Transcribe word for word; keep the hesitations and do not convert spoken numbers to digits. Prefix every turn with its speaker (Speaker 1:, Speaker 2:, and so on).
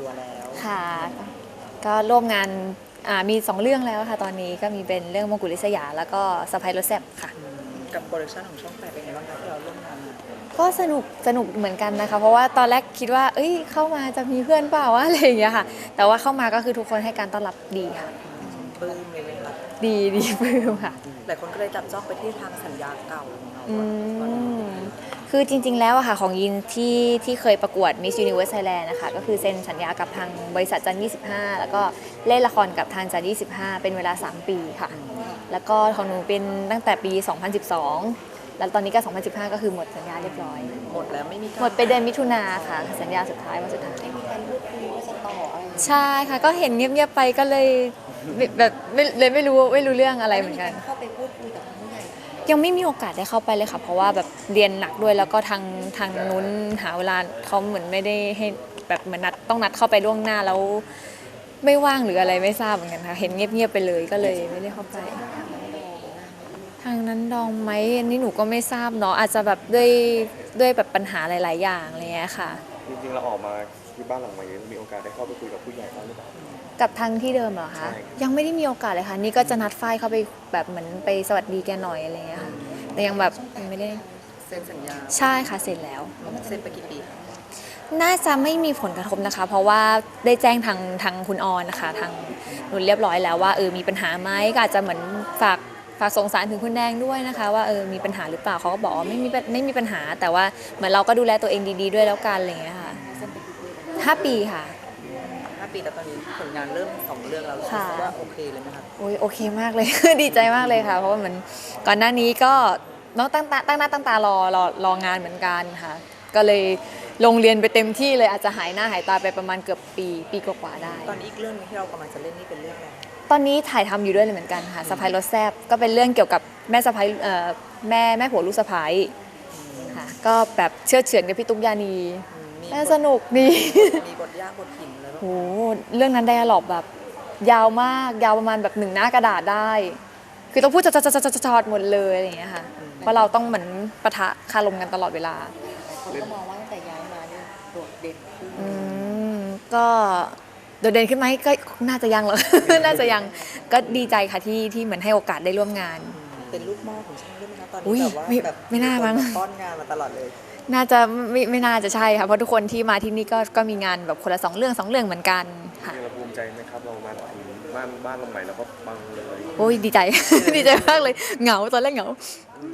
Speaker 1: ตัวแล้ว
Speaker 2: ค่ะก็ร่วมงานมีสองเรื่องแล้วค่ะตอนนี้ก็มีเป็นเรื่องมงกุฎลิษยาแล้วก็สะพายรถแซ่บค่ะ
Speaker 1: กับโปรดักชันของช่องแปดเป็นไงบ้างคะที่เราร่วมงานมา
Speaker 2: ก็สนุกสนุกเหมือนกันนะคะเพราะว่าตอนแรกคิดว่าเอ้ยเข้ามาจะมีเพื่อนเปล่าวะอะไรอย่างเงี้ยค่ะแต่ว่าเข้ามาก็คือทุกคนให้การต้อนรับดีค่ะ
Speaker 1: ปลื้มเลยไหมคะ
Speaker 2: ดีดีปลื้มค่ะ
Speaker 1: หลายคนก็เลยจับจ้องไปที่ทางสัญญาเก่าของเรา
Speaker 2: อืมคือจริงๆแล้วอะค่ะของยินที่ที่เคยประกวด Miss Universe Thailand นะคะก็คือเซ็นสัญญากับทางบริษัทจันยี่สิบห้าแล้วก็เล่นละครกับทางจันยี่สิบห้าเป็นเวลาสามปีค่ะแล้วก็ของหนูเป็นตั้งแต่ปีสองพันสิบสองแล้วตอนนี้ก็สองพันสิบห้าก็คือหมดสัญญาเรียบร้อย
Speaker 1: หมดแล้วไม่มี
Speaker 2: หมดไปเดือนมิถุนาค่ะสัญญาสุดท้ายวันสุดท้าย
Speaker 1: ไม่มีการพูดคุยว่าจะต่ออะไร
Speaker 2: ใช่ค่ะก็เห็นเงียบๆไปก็เลยแบบเลยไม่รู้ไม่รู้เรื่องอะไรเหมือนกัน
Speaker 1: เข้าไปพูดคุยกับผู้ใหญ่
Speaker 2: ยังไม่มีโอกาสได้เข้าไปเลยค่ะเพราะว่าแบบเรียนหนักด้วยแล้วก็ทางทางนู้นหาเวลาเขาเหมือนไม่ได้ให้แบบเหมือนนัดต้องนัดเข้าไปล่วงหน้าแล้วไม่ว่างหรืออะไรไม่ทราบเหมือนกันค่ะเห็นเงียบๆไปเลยก็เลยไม่ได้เข้าไปทางนั้นดองไหมอันนี้หนูก็ไม่ทราบเนาะอาจจะแบบด้วยด้วยแบบปัญหาหลายๆอย่างอะไรเงี้ยค่ะ
Speaker 3: จริงๆเราออกมาที่บ้านหลังใหม่มีโอกาสได้เข้าไปคุยกับผู้ใหญ่บ้างหรือเปล่า
Speaker 2: กับทางที่เดิมเหรอคะยังไม่ได้มีโอกาสเลยค่ะนี่ก็จะนัดฝ้ายเข้าไปแบบเหมือนไปสวัสดีแกหน่อยอะไรเงี้ยค่ะแต่ยังแบบไม่ได้
Speaker 1: เซ็นสัญญา
Speaker 2: ใช่ค่ะเสร็จแล้ว
Speaker 1: เซ็นไปกี่ปี
Speaker 2: น่าจะไม่มีผลกระทบนะคะเพราะว่าได้แจ้งทางทางคุณออนนะคะทางนุ่นเรียบร้อยแล้วว่าเออมีปัญหาไหมก็อาจจะเหมือนฝากฝากส่งสารถึงคุณแดงด้วยนะคะว่าเออมีปัญหาหรือเปล่าเขาก็บอกว่าไม่มีไม่มีปัญหาแต่ว่าเหมือนเราก็ดูแลตัวเองดีๆด้วยแล้วกันอะไรเงี้ยค่ะห้าปีค่ะ
Speaker 1: ห้าปีแต่ตอนนี้ผลงานเริ่มสองเรื่องแล้วรู้สึกว่าโอเคเลยไหมคะ
Speaker 2: โอ้ยโอเคมากเลย ดีใจมากเลยค่ะเพราะว่าเหมือนก่อนหน้านี้ก็น้องตั้งตาตั้งหน้าตั้งตารอรอรองานเหมือนกันค่ะก็เลยลงเรียนไปเต็มที่เลยอาจจะหายหน้าหายตาไปประมาณเกือบปีปีกว่าๆได้
Speaker 1: ตอนนี้อีกเรื่องนึงที่เรากำลังจะเล่นนี่เป็นเรื่องอะไร
Speaker 2: ตอนนี้ถ่ายทำอยู่ด้วยเลยเหมือนกันค่ะสะพ้ายรถแซ่บก็เป็นเรื่องเกี่ยวกับแม่สะพ้ายเอ่อแม่แม่ผัวลูกสะพ้ายค่ะก็แบบเชื่อเฉือนกับพี่ตุ๊กยานีน่าสนุกดี
Speaker 1: มีบทยากบทหินเลย
Speaker 2: โหเรื่องนั้นไดอะล็อกแบบยาวมากยาวประมาณแบบหนึ่งหน้ากระดาษได้คือต้องพูดจอดๆๆๆหมดเลยอะไรอย่างเงี้ยค่ะเพราะเราต้องเหมือนปะทะคารมกันตลอดเวลา
Speaker 1: คนก็มองว่าตั้งแต่ย้ายมาเนี่ยโดดเด่นขึ้น
Speaker 2: อืมก็โดดเด่นขึ้นไหมก็น่าจะยังหรอก น่าจะยังก็ดีใจค่ะที่ที่เหมือนให้โอกาสได้ร่วมงาน
Speaker 1: เป็นลูกหม้อของช่องด้วยไหมคะตอนนี้แบบว่าแบบ
Speaker 2: ไม่น่ามั้ง
Speaker 1: ป้อนงานมาตลอดเลย
Speaker 2: น่าจะไม่ไม่น่าจะใช่ค่ะเพราะทุกคนที่มาที่นี่ก็ก็มีงานแบบคนละสองเรื่องสองเรื่องเหมือนกันค่ะ
Speaker 3: เราภูมิใจไหมครับเรามาถึงบ้านบ้านหลังใหม่เราก็ปังเลย
Speaker 2: โอ้ยดีใจ ดีใจมากเลยเหงาตอนแรกเหงา